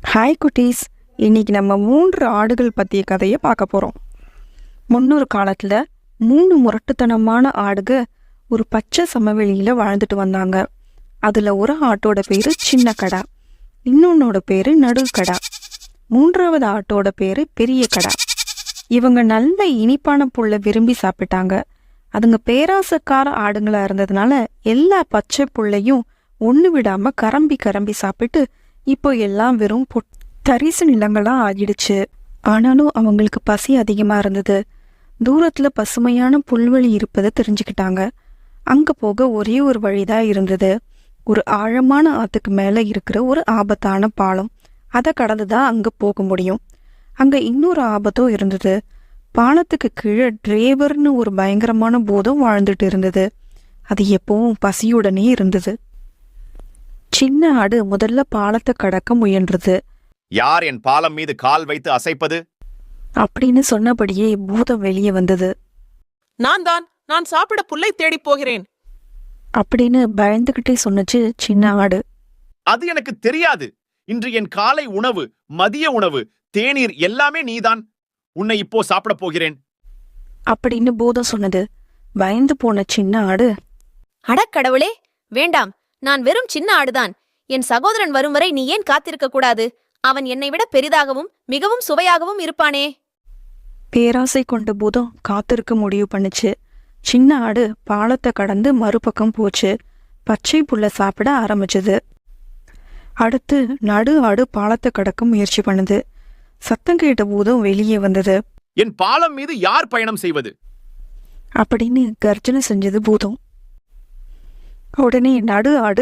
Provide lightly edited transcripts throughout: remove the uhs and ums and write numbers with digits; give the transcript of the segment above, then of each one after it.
Hi குட்டீஸ், இன்னைக்கு நம்ம 3 ஆடுகள் பற்றிய கதையை பார்க்க போகிறோம். முன்னொரு காலத்தில் 3 முரட்டுத்தனமான ஆடுக ஒரு பச்சை சமவெளியில் வாழ்ந்துட்டு வந்தாங்க. அதில் ஒரு ஆட்டோட பேர் சின்ன கடா, இன்னொன்னோட பேர் நடுக்கடா, 3வது ஆட்டோட பேர் பெரிய கடா. இவங்க நல்ல இனிப்பான புல்லை விரும்பி சாப்பிட்டாங்க. அதுங்க பேராசக்கார ஆடுங்களா இருந்ததுனால எல்லா பச்சை புல்லையும் ஒன்று விடாமல் கரம்பி கரம்பி சாப்பிட்டு இப்போ எல்லாம் வெறும் தரிசு நிலங்களாக ஆகிடுச்சு. ஆனாலும் அவங்களுக்கு பசி அதிகமாக இருந்தது. தூரத்தில் பசுமையான புல்வெளி இருப்பதை தெரிஞ்சுக்கிட்டாங்க. அங்கே போக ஒரே ஒரு வழிதான் இருந்தது. ஒரு ஆழமான ஆற்றுக்கு மேலே இருக்கிற ஒரு ஆபத்தான பாலம். அதை கடந்து தான் அங்கே போக முடியும். அங்கே இன்னொரு ஆபத்தும் இருந்தது. பாலத்துக்கு கீழே டிரைவர்னு ஒரு பயங்கரமான பூதம் வாழ்ந்துட்டு இருந்தது. அது எப்பவும் பசியுடனே இருந்தது. சின்ன ஆடு முதல்ல பாலத்தை கடக்க முயன்றது. யார் என் பாலம் மீது கால் வைத்து அசைப்பது அப்படின்னு சொன்னபடியே பூதம் வெளியே வந்தது. நான் சாப்பிட புல்லை தேடி போகிறேன் அப்படின்னு பயந்துகிட்டே சொன்னச்சு சின்ன ஆடு. அது எனக்கு தெரியாது. இன்று என் காலை உணவு, மதிய உணவு, தேநீர் எல்லாமே நீதான். உன்னை இப்போ சாப்பிட போகிறேன் அப்படின்னு பூதம் சொன்னது. பயந்து போன சின்ன ஆடு, அடக்கடவுளே, வேண்டாம், நான் வெறும் சின்ன ஆடுதான். என் சகோதரன் வரும் வரை நீ ஏன் காத்திருக்க கூடாது? அவன் என்னை விட பெரிதாகவும் மிகவும் சுவையாகவும் இருப்பானே. பேராசை கொண்ட பூதம் காத்திருக்க முடிவு பண்ணுச்சு. சின்ன ஆடு பாலத்தை கடந்து மறுபக்கம் போச்சு. பச்சை புல்ல சாப்பிட ஆரம்பிச்சது. அடுத்து நடு ஆடு பாலத்தை கடக்க முயற்சி பண்ணுது. சத்தம் கேட்ட பூதம் வெளியே வந்தது. என் பாலம் மீது யார் பயணம் செய்வது அப்படின்னு கர்ஜனை செஞ்சது பூதம். உடனே நடு ஆடு,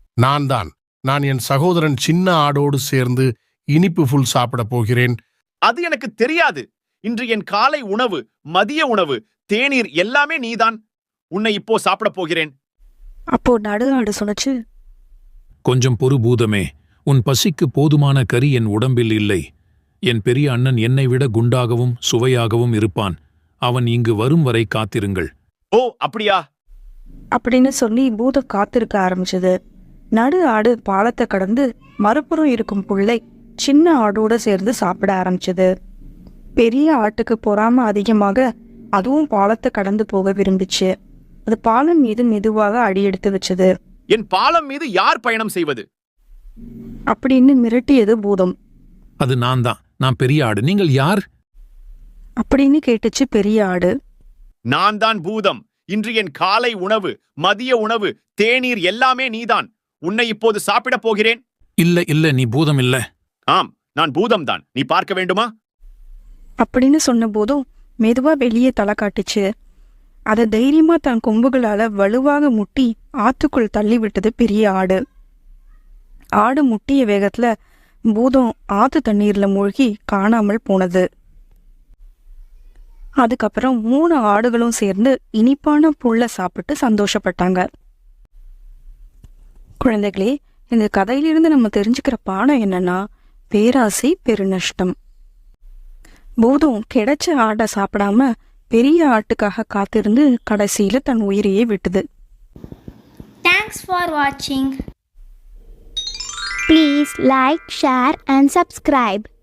நான் என் சகோதரன் சின்ன ஆடோடு சேர்ந்து இனிப்பு புல் சாப்பிட போகிறேன். அது எனக்கு தெரியாது. இன்று என் காலை உணவு, மதிய உணவு, தேநீர் எல்லாமே நீதான். உன்னை இப்போ சாப்பிட போகிறேன் அப்போ நடு ஆடு சொன்னச்சு, கொஞ்சம் பொறு பூதமே, உன் பசிக்கு போதுமான கறி என் உடம்பில் இல்லை. என் பெரிய அண்ணன் என்னை விட குண்டாகவும் சுவையாகவும் இருப்பான். அவன் இங்கு வரும் வரை காத்திருங்கள். ஓ அப்படியா அப்படின்னு சொல்லி பூதம் காத்திருக்க ஆரம்பிச்சது. நடு ஆடு பாலத்தை கடந்து மறுபுறம் இருக்கும் புல்லை சின்ன ஆடோட சேர்ந்து சாப்பிட ஆரம்பிச்சது. பெரிய ஆட்டுக்கு பொறாம அதிகமாக அதுவும் பாலத்தை கடந்து போக விரும்பிச்சு. அது பாலம் மீது மெதுவாக அடியெடுத்து வச்சது. என் பாலம் மீது யார் பயணம் செய்வது அப்படின்னு மிரட்டியது பூதம். அது நான் பெரிய ஆடு, நீங்கள் யார் அப்படின்னு கேட்டுச்சு பெரிய ஆடு. நான் தான் பூதம். இன்று என் காலை உணவு, மதிய உணவு, தேநீர் எல்லாமே நீதான். உன்னை இப்போது சாப்பிட போகிறேன். இல்ல நீ பூதம் இல்ல. ஆம், நான் பூதம்தான். நீ பார்க்க வேண்டுமா அப்படின்னு சொன்ன போதும் மெதுவா வெளியே தலை காட்டுச்சு. அதை தைரியமா தன் கொம்புகளால வலுவாக முட்டி ஆத்துக்குள் தள்ளி விட்டது பெரிய ஆடு. ஆடு முட்டிய வேகத்துல பூதம் ஆத்து தண்ணீர்ல மூழ்கி காணாமல் போனது. அதுக்கப்புறம் 3 ஆடுகளும் சேர்ந்து இனிப்பான புல்லை சாப்பிட்டு சந்தோஷப்பட்டாங்க. குழந்தைகளே, இந்த கதையிலிருந்து நம்ம தெரிஞ்சுக்கிற பாடம் என்னன்னா, பேராசை பெருநஷ்டம். பூதம் கிடைச்ச ஆட்டை சாப்பிடாம பெரிய ஆட்டுக்காக காத்திருந்து கடைசியில தன் உயிரையே விட்டுது. Thanks for watching. Please like, share and subscribe.